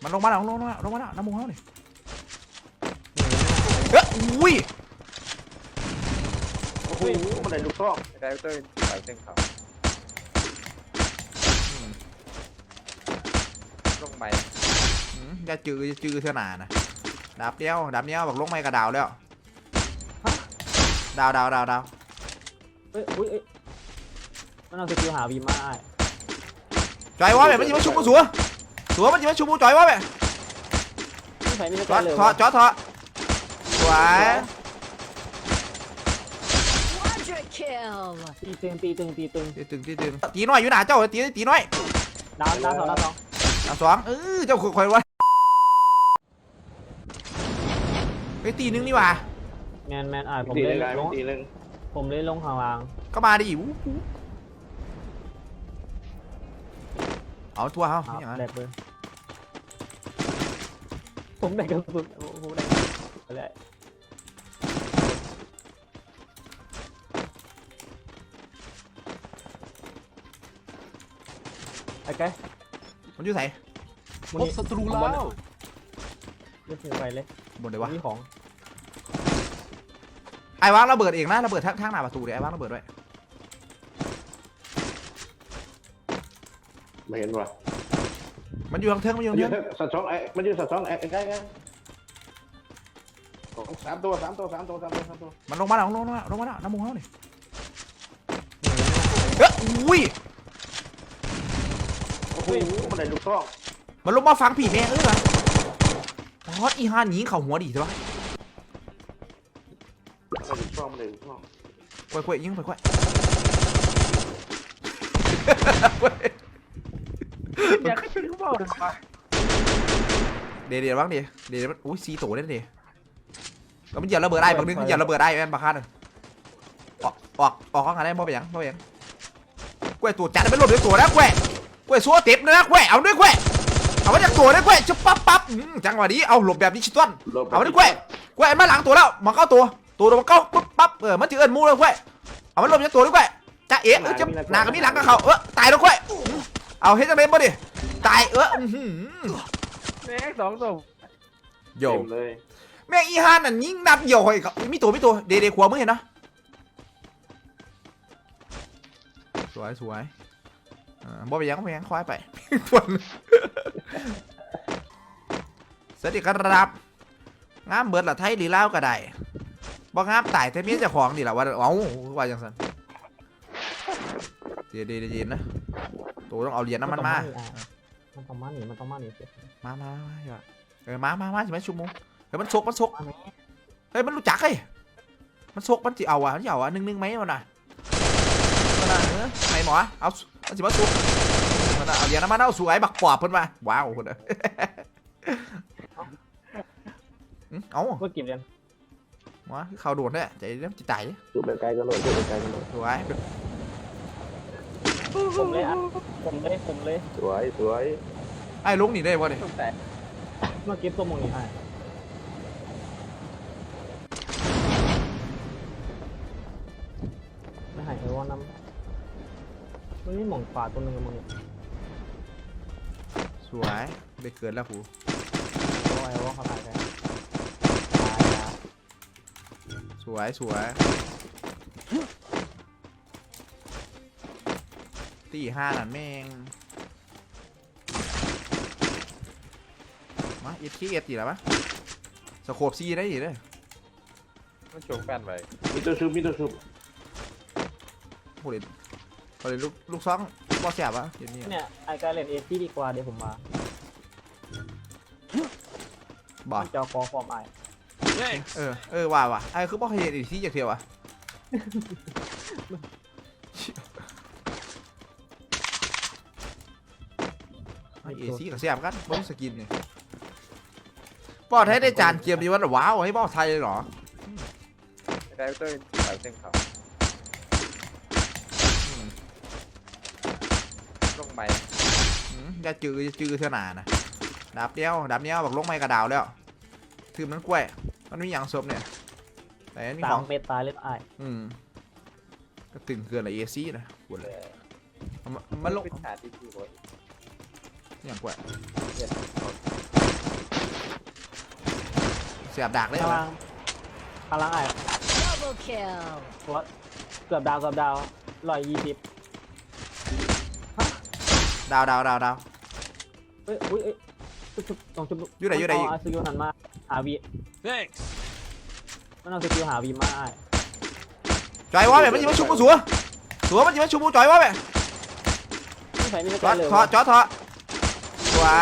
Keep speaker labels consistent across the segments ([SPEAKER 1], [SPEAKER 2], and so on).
[SPEAKER 1] มันลงมาแล้วน้ำมูกเขาดิอุ้ย
[SPEAKER 2] โอ้โหมันไหนลูกซองได้เต้ยใส่เส้นเขาลงไป
[SPEAKER 1] จะจือเท่านานะดาบเดียวบอกลงไม่กระดาวแล้วดาว
[SPEAKER 3] เอ้ยมันเอาสกิลหาวีมา
[SPEAKER 1] จอยวะแบบมันจะมาชุบกูสัวมันจะมาชุบกูจอยวะแบบ
[SPEAKER 3] ไม่ใส่ไม่
[SPEAKER 1] ใช่เลยจอสวย
[SPEAKER 3] ตีตึง
[SPEAKER 1] ตีน้อยอยู่หนาเจ้าตีน้อย
[SPEAKER 3] ดาวสอง
[SPEAKER 1] เจ้าคอยวะไปตีนึงนี่ว่ะ
[SPEAKER 3] แมนผมเลยลงข้างล่าง
[SPEAKER 1] ก็มาดิเอาทัวร์เขา
[SPEAKER 3] แดกเลยผมแดกกระสุนผมแดกอะไรไอ้แก
[SPEAKER 1] มันอยู่ไหน
[SPEAKER 4] พบศัตรูแล้ว
[SPEAKER 3] เลือกไปเลย
[SPEAKER 1] บนเลยวะ
[SPEAKER 3] นี่ของ
[SPEAKER 1] ไอ้วางระเบิดเองนะระเบิดทั้งหน้าประตูเดี๋ยวไอ้วางระเบิดด้วย
[SPEAKER 2] ไม่เห็นว่ะ
[SPEAKER 1] มันอยู่ทางเทิง
[SPEAKER 2] สัตว์สองมันอยู่สัตว์สองใกล้สามตัว
[SPEAKER 1] มันลงมาแล้วน้ำมูกเขาดิอุ้ย
[SPEAKER 2] โอ้โหมันไหนลูกซอง
[SPEAKER 1] มันลงมาฟังผีแม่เหรอฮอตอีฮานหนีเข่าหัวดิใช่ปะ
[SPEAKER 2] มันไหนลูกซอง
[SPEAKER 1] ค่อยยิงค่อย
[SPEAKER 2] อยากให้เป็นเขาบอกเลยป่ะ
[SPEAKER 1] เดี๋ยวบ้างเดี๋ยวมันอุ้ยซีโตได้เดี๋ยวแล้วมันเหยียบระเบิดได้บางนึงเหยียบระเบิดได้แม่นบางครั้งออกข้างกันได้บ่ไปยังกล้วยตัวจัดไม่หลุดด้วยตัวนะกล้วยซัวเต็มนะกล้วยเอาด้วยกล้วยเอาไว้จากตัวได้กล้วยจะปั๊บจังหวะนี้เอาหลบแบบดิจิตอลเอาด้วยกล้วยมาหลังตัวแล้วมาเข้าตัวมันเข้าปั๊บมันถือเอิญมูเลยกล้วยเอามันหลบจากตัวด้วยกล้วยจะเอ๊ะจะหนากับมีหลังกับเขาตายแล้วกล้วยเอาเฮ้ยจังเลยบ่ดิตาย
[SPEAKER 2] แม่สองศพ
[SPEAKER 1] โย่แม่อีฮานน่ะยิงนับโย่ให้เขามีตัวเดขวามึงเห็นเนาะสวยบ่ไปยังควายไปสวัสดีครับงามเบิดละไทยหรือเล่าก็ได้บ่งามตายแต่เมียเจ้าของดิล่ะว่าว่าจังสันเดี๋ยวนะตัวต้องเอาเหรียญน้ำมันมา
[SPEAKER 3] มันต้องมาหนีมา
[SPEAKER 1] อย่ามาใช่ไหมชุมงเฮ้ยมันซกเฮ้ยมันรู้จักเฮ้ยมันซกมันจะเอานึ่งไหมมันน่ะไหนหมอเอาสิมาซุกมันเอาเหรียญน้ำมันเอาสวยบักปอบเพิ่นมาว้าวคนเอา
[SPEAKER 3] ก็กินเลย
[SPEAKER 1] วะเขาโดนเนี่ยใจเริ่มจิตใจ
[SPEAKER 2] จุดแบบไกลกันเลย
[SPEAKER 1] สวย
[SPEAKER 3] ผมเลย
[SPEAKER 2] สวย
[SPEAKER 1] ไอ้ลุงหนีได้ป่ะเนี่ย
[SPEAKER 3] เมื่อกี้ตัวมงนี่ไอ้ไม่หายไปว่าน้ำมันนี่หม่องฝาตัวนึงกับมึง
[SPEAKER 1] สวยได้เกินแล้วกู
[SPEAKER 3] ไอ้ว่าเขาตายแล้ว
[SPEAKER 1] สวยตีห้านั่นแม่งมาเอ็ดขี้เอ็ดอีกแล้วปะสโคปซีได้อีกเลย
[SPEAKER 2] มันโฉบกันไปมีตัวชุบ
[SPEAKER 1] โหเลยลูกซองบอสแสบวะ
[SPEAKER 3] เนี่ยไอ้การเล่นเอซี่ดีกว่าเดี๋ยวผมมา
[SPEAKER 1] บอส
[SPEAKER 3] จอคอฟอร์มไอ
[SPEAKER 1] ว่าไอ้คือบอกให้เอ็ดซี่จากเทียวอะเอซี่กับแสบกันบอสสกินเนี่ยบอสให้ได้จานเกมดีวันว้าวให้บอสไทยเลยหรอ
[SPEAKER 2] ได้เต้ยใส่เส้นเขาลงไป
[SPEAKER 1] จะจือเท่านานะดาบเดียวบอกลงไม่กระดาวแล้วถือมันกล้วยมันมีอย่างศพเนี่ยแต่นี่ของ
[SPEAKER 3] เมตตาเล็บไอ
[SPEAKER 1] ก็ตึงเกินเลยเอซี่นะปวดเลยมันลงอย่างกล้วยเสียบดักเลย
[SPEAKER 3] ข้าง
[SPEAKER 1] เหรอ
[SPEAKER 3] ล่างข้างล่างไอ้
[SPEAKER 5] Double kill.
[SPEAKER 3] ตัวเกือบดาว120
[SPEAKER 1] ดาว
[SPEAKER 3] เฮ้ยอุ้ยเอ้ยชุบต้องชุบ
[SPEAKER 1] อยู่ไหน
[SPEAKER 3] เอาสกิลหันมาหาวี
[SPEAKER 4] Thanks.
[SPEAKER 3] มันเอาสกิลหาวีมาไอ้
[SPEAKER 1] จอยวะแบบมันยิงมาชุบกูสัวมันยิงมาชุบกูจอยวะแบบ
[SPEAKER 3] ไม่ใส่ไม่
[SPEAKER 1] จ
[SPEAKER 3] ใช่
[SPEAKER 1] อด
[SPEAKER 3] เลย
[SPEAKER 1] ทอจอดทอสวย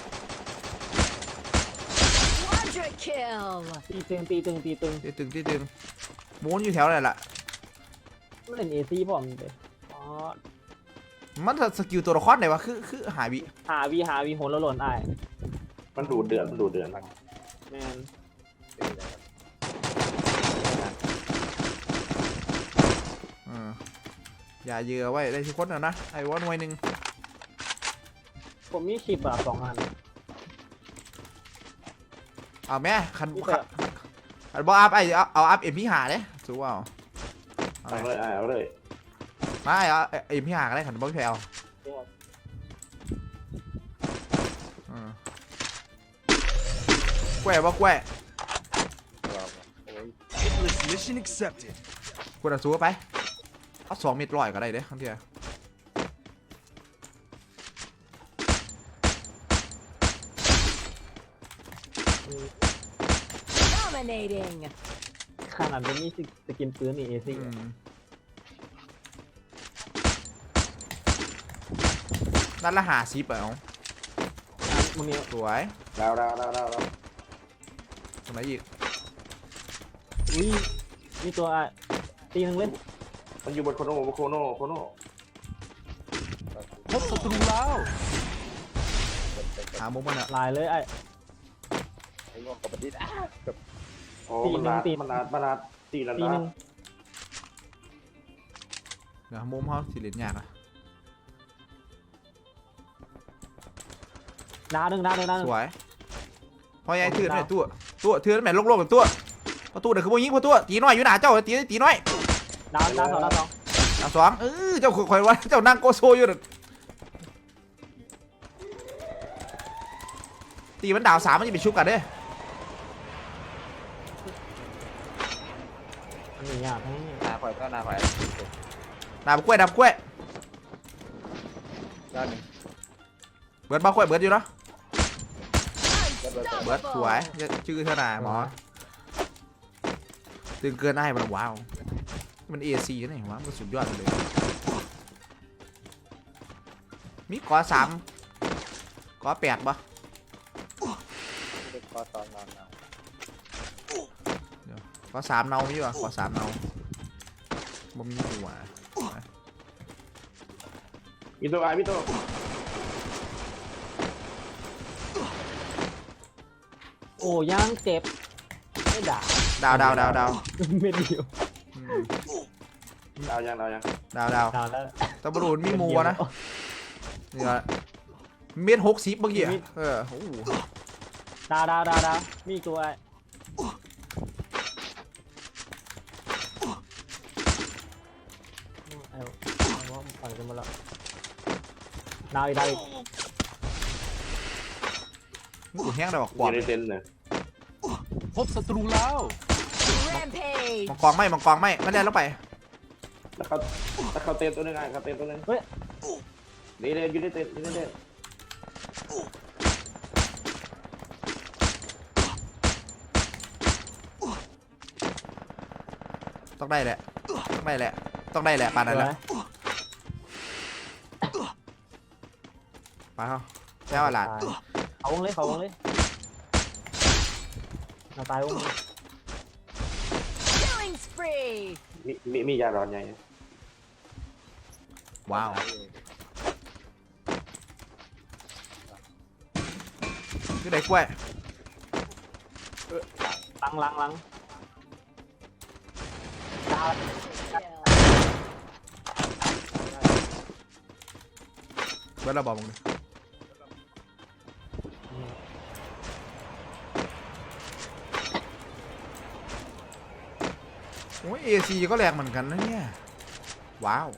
[SPEAKER 5] Quadra kill.
[SPEAKER 3] ตีตึง
[SPEAKER 1] ที่ตึงหมุนอยู่แถวไหนล่ะ
[SPEAKER 3] มันเล่นเอซี่ผมเลยอ๋อ
[SPEAKER 1] มันสกิลตัวละครไหนวะคือหายวิ
[SPEAKER 3] หาวีโหนแล้วหล่นไอ้
[SPEAKER 2] มันดูเดือดมาก
[SPEAKER 3] แมน
[SPEAKER 1] อย่าเยือไว้ได้ทุกคนนะไอ้วอนหน่วยหนึ่ง
[SPEAKER 3] ผมมีชิปแบบ2 อัน
[SPEAKER 1] เอาแม่คันบออัพไอเอาอัพเอ็มพีหาเลยสู้เอา
[SPEAKER 2] เอาเลย
[SPEAKER 1] ไม่เอาเอ็มพีหาก็ได้ขันบอลแพลแกว่บ่แกว่
[SPEAKER 4] Hitless mission accepted.
[SPEAKER 1] คุณสู้ไปเอา2 เม็ดร้อยก็ได้เด้ครั้งเดียว
[SPEAKER 5] Dominating.
[SPEAKER 3] ขนาดเป็นมีสกินปืนนี่เอซี่
[SPEAKER 1] นั่นละ50เอา
[SPEAKER 3] มึงนี่
[SPEAKER 1] สวย
[SPEAKER 2] ดาว
[SPEAKER 1] ตรงไหนอีก
[SPEAKER 3] อุ้ยมีตัวตีหนึงเล่น
[SPEAKER 2] มันอยู่บนโคโน่
[SPEAKER 4] พบศัตรูแล้ว
[SPEAKER 1] หามุมมันอะ
[SPEAKER 3] ลายเลยไอ้
[SPEAKER 2] ไอ้งอกกับบัดดี้โอ้
[SPEAKER 3] ตี
[SPEAKER 2] มัน
[SPEAKER 3] หนึ่ง
[SPEAKER 2] นาด
[SPEAKER 3] ตี
[SPEAKER 2] มันนาดตีแล้ว
[SPEAKER 3] ตีหนึ
[SPEAKER 2] นะ
[SPEAKER 3] ง
[SPEAKER 1] เดี๋ยวมุมเขาสิเล่นยากอะ
[SPEAKER 3] ดาวหนึ่ง
[SPEAKER 1] สวยพอยัยถือเนี่ยตัวถือแม่โลกๆกับตัวพอตัวเดี๋ยวคือพวกยิงพอตัวตีน้อยอยู่หนาเจ้าตีน้อย
[SPEAKER 3] ดาว 2
[SPEAKER 1] ดาว2เจ้าคอยว่าเจ้านั่งโกโซอยู่ตีมันดาว3มันจะไปชุบกันเด้
[SPEAKER 3] อันนี้ยากทั้งนี้
[SPEAKER 2] หน้าข่อยก็หน้าข่อย
[SPEAKER 1] ดาวกล้วย
[SPEAKER 2] ด้านหนึ่ง
[SPEAKER 1] เบิร์ดบ้ากล้วยเบิร์ดอยู่เนาะเบิร์ดสวย
[SPEAKER 5] Unstoppable.
[SPEAKER 1] ชื่อเท่าไหร่หมอตึงเกินได้มันว้าวมัน AC นี่วะมันสุดยอดเลยมีกอ3กอ8ปะ
[SPEAKER 2] คอตอนนอน
[SPEAKER 1] กอ3เนามีปะกอ3เนาบ่มีหัว
[SPEAKER 2] มีตัว
[SPEAKER 3] โอ้ย่างเจ็บไม่ด่า
[SPEAKER 1] ดาว
[SPEAKER 3] ไม่เดียว
[SPEAKER 1] อืม
[SPEAKER 2] ดาวยัง
[SPEAKER 1] ดาว
[SPEAKER 3] ดาวแล้ว
[SPEAKER 1] ตะบรูนมีมัวนะนี่ละเม็ด60เมื่อกี้อะโอ้โห
[SPEAKER 3] ดาวมีอีกตัวไอ้เอาว่าปั่นกันมาแล้วดาวอีก
[SPEAKER 1] กูแห้งได้บอกก
[SPEAKER 2] อ
[SPEAKER 1] วาด
[SPEAKER 2] ยู่ในเต็นท์เนี่ย
[SPEAKER 4] พบศัตรูแล้ว
[SPEAKER 5] Rampage.
[SPEAKER 1] มังกรไม่ไม่ได้แล้วไป
[SPEAKER 2] แล้วเขาเต็นท์ตัวนึงเขาเต็นท์ตัวนึงนี่เลยอยู่ในเต็นท์
[SPEAKER 1] ต้องได้แหละปานนั้นแหละไปเขาแก้วหลาน
[SPEAKER 3] เขาวงเลยเราตายวง
[SPEAKER 5] Killing spree.
[SPEAKER 2] มียาร้อนใหญ่
[SPEAKER 1] ว้าวคือได้กล้วย
[SPEAKER 3] ลังดาว
[SPEAKER 1] เบิร์ดเราบอกมึงดิโอ้ย AC ก็แรงเหมือนกันนะเนี่ยว้าว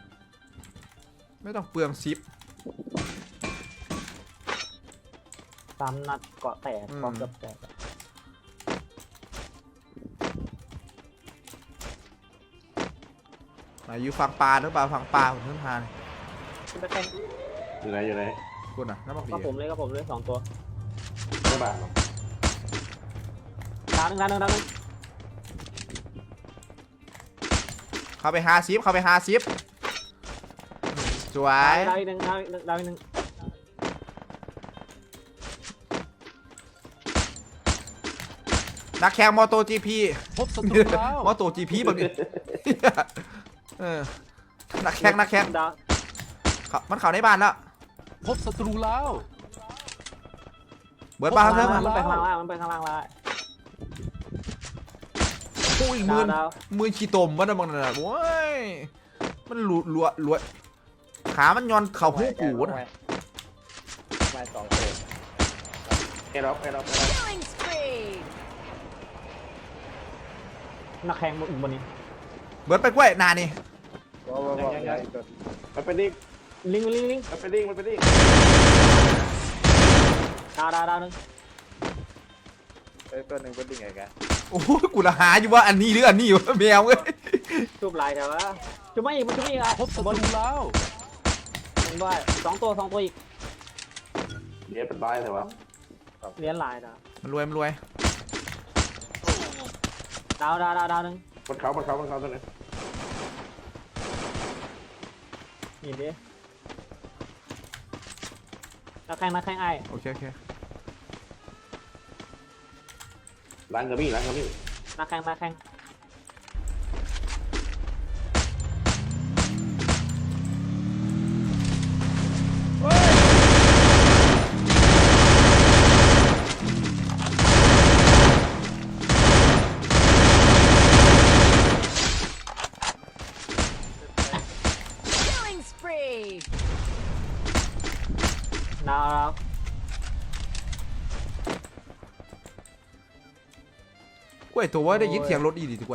[SPEAKER 1] ไม่ต้องเปลืองซิป
[SPEAKER 3] 3 นัดเกาะแตกเกาะเกือบแตก
[SPEAKER 1] ไหนอยู่ฝั่งปลาหรือเปล่าฝั่งปลาผมขึ้นทาน
[SPEAKER 3] ขึ้นไปแข่ง
[SPEAKER 2] อยู่ไหนอยู่ไหน
[SPEAKER 1] คุณอ่ะน้ำมันผี
[SPEAKER 3] ก็ผมเลย2 ตัว
[SPEAKER 2] ไม่บาดหรอก
[SPEAKER 3] ดาวหนึ่ง
[SPEAKER 1] เข้าไป50เข้าไป50สวย
[SPEAKER 3] ดาวอีกหนึ่ง
[SPEAKER 1] นักแข่งมอโตจีพี
[SPEAKER 4] พบศัตรูแล้ว
[SPEAKER 1] มอโตจีพีแบบนี้เออนักแข่ง
[SPEAKER 3] ดาว
[SPEAKER 1] มันเข้าในบ้านแล้ว
[SPEAKER 4] พบศัตรูแล้ว
[SPEAKER 1] เบิร์ดปลาครับเพิ่ม
[SPEAKER 3] มันไปข้างล่างแล้ว
[SPEAKER 1] ปุ้ยมือ
[SPEAKER 3] ดาว
[SPEAKER 1] มือขี้ตมมันนะมันน่ะโว้ยมันลัวขามันย้อนเข่าหูกูนะ
[SPEAKER 2] มา2 ตัวไอ้ล็อก
[SPEAKER 5] Killing spree.
[SPEAKER 3] นักแข่งบนบนนี้
[SPEAKER 1] เบิร์ดไปกล้วยนานี่
[SPEAKER 2] มันเป็นดิ้ง
[SPEAKER 3] ลิง
[SPEAKER 2] มันเป็นดิ้ง
[SPEAKER 3] ดาวหนึ่ง
[SPEAKER 2] ตัวหนึ่งเป็นดิ้งไงกัน
[SPEAKER 1] โอ้ยกูละหาอยู่ว่าอันนี้หรืออันนี้วะแมวเว้ย
[SPEAKER 3] ชุบลายแต่ว่าชุบไม่อีกอ่ะ
[SPEAKER 4] พบศัตรูแล้ว
[SPEAKER 3] มันด้วย2 ตัวอีก
[SPEAKER 2] เดี๋ยวเป็นร้ายแต่ว่า
[SPEAKER 3] เลี้ยนลายนะ
[SPEAKER 1] มันรวย
[SPEAKER 3] ดาวหนึ่ง
[SPEAKER 2] บนเขาตัวนึง
[SPEAKER 3] นี่ดินักแข่งไอ้
[SPEAKER 1] โอเค
[SPEAKER 2] ล้างกระบี่
[SPEAKER 3] นักแข่ง
[SPEAKER 5] Killing spree.
[SPEAKER 3] ดาว
[SPEAKER 1] กล้วยตัวว่าได้ยินเสียงรถอีดีถูกกล้วย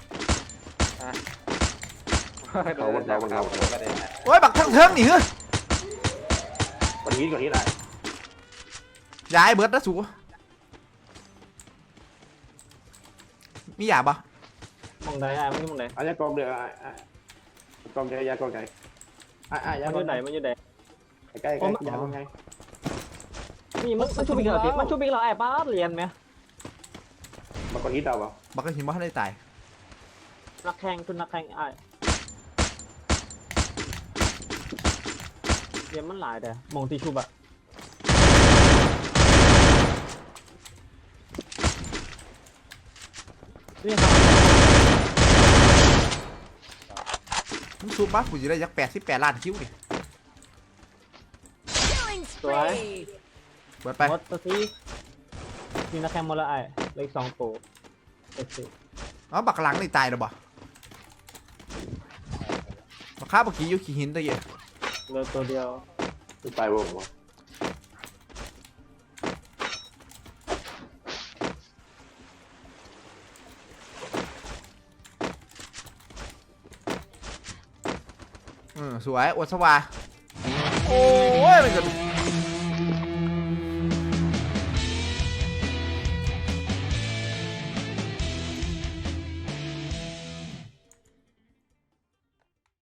[SPEAKER 2] เขาบนเขา
[SPEAKER 1] โอ้ยบักทั้งเทิงนี่เฮ้ย
[SPEAKER 2] ก่อนนี้ได้
[SPEAKER 1] ย้ายเบิร์ดนะสูมีหยาบปะ
[SPEAKER 3] มองใดไอ้มันอยู่มองใด
[SPEAKER 2] อาจจะกองเดือดกองใจยากองใจยา
[SPEAKER 3] มันอยู่ไหน
[SPEAKER 2] ใกล้ยากองไง
[SPEAKER 3] นี่มันชุบอีกแล้วมันชุบอีกแล้วไอ้ป้าเรียนไหม
[SPEAKER 2] มันก่อนนี้ดาวป่ะ
[SPEAKER 1] บักก็หิมะให้ได้ตาย
[SPEAKER 3] นักแข่งไอ้เรียนมันหลายแต่มองตีชุบอะนี่ครับ
[SPEAKER 1] มึงซูมบ้ากูจะได้ยัก88 ล้านคิวดิ
[SPEAKER 5] Killing spree.
[SPEAKER 1] เบิร์ดไป
[SPEAKER 3] รถตัวที่มีนักแข่งหมดแล้วไอ้เหลืออีก2 ตัวเอฟซี
[SPEAKER 1] อ๋อบักหลังนี่ตายแล้วบ่บักข้าบักกี้อยู่ขี้หินตะเกีย
[SPEAKER 3] เหลือตัวเดียว
[SPEAKER 2] ไปวง
[SPEAKER 1] สวยอวดสวาโอ้ยมันจะ